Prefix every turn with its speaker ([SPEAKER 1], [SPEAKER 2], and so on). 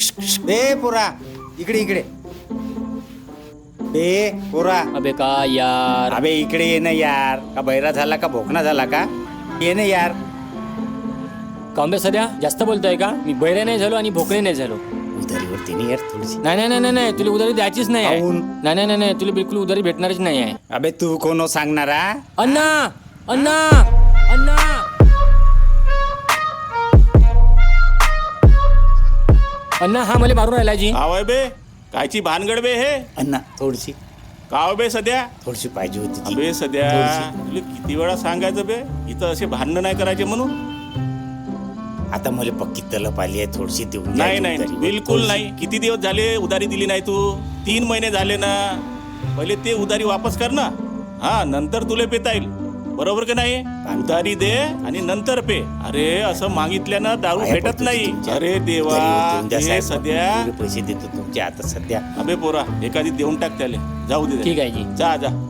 [SPEAKER 1] बे पोरा इकडे इकडे. बे पोरा
[SPEAKER 2] अबे का यार.
[SPEAKER 1] अबे इकडे ये ना यार. का बैरा झाला का भोकना झाला का? ये ना यार.
[SPEAKER 2] कांबे सध्या जास्त बोलतोय का? मी बैरे नाही झालो आणि भोकळे नाही झालो.
[SPEAKER 1] उधारीवरती नाही यार थोडीशी.
[SPEAKER 2] नाही नाही नाही नाही तुला उधारी द्यायचीच नाही आहे.
[SPEAKER 1] काहून?
[SPEAKER 2] नाही नाही नाही तुला बिलकुल उधारी भेटणारच नाही आहे.
[SPEAKER 1] अबे तू कोण सांगणारा?
[SPEAKER 2] अण्णा अण्णा अण्णा. अण्णा हा मला मारून राहिला जी.
[SPEAKER 3] आवय बे कायची भानगड बे हे.
[SPEAKER 1] अण्णा थोडीशी
[SPEAKER 3] काव बे सध्या.
[SPEAKER 1] थोडीशी पाहिजे होती ती.
[SPEAKER 3] अबे सध्या
[SPEAKER 1] थोडीशी.
[SPEAKER 3] तुला किती वेळा सांगायचं बे इथं असे भांडणं नाही करायचे म्हणून.
[SPEAKER 1] आता मला पक्की तलप आली आहे थोडीशी देऊन
[SPEAKER 3] नाही
[SPEAKER 1] द्यायची
[SPEAKER 3] नाही
[SPEAKER 1] उधारी.
[SPEAKER 3] बिलकुल
[SPEAKER 1] थोडीशी.
[SPEAKER 3] नाही. किती दिवस झाले उधारी दिली नाही तू? 3 महिने झाले ना. पहिले ते उधारी वापस कर ना. हा नंतर तुला पेता येईल. बरोबर की नाही? उधारी दे आणि नंतर पे. अरे असं मागितल्यानं दारू
[SPEAKER 1] पाया
[SPEAKER 3] भेटत
[SPEAKER 1] पडतो
[SPEAKER 3] नाही.
[SPEAKER 1] तुमच्या.
[SPEAKER 3] अरे देवा
[SPEAKER 1] उधारीवर देऊन द्या
[SPEAKER 3] हे
[SPEAKER 1] साहेब.
[SPEAKER 3] सध्या.
[SPEAKER 1] एवढे पैसे देतो तुमच्या आता सध्या.
[SPEAKER 3] अबे पोरा एखादी देऊन टाक त्याले. जाऊ दे.
[SPEAKER 2] ठीक आहे जी.
[SPEAKER 3] जा जा.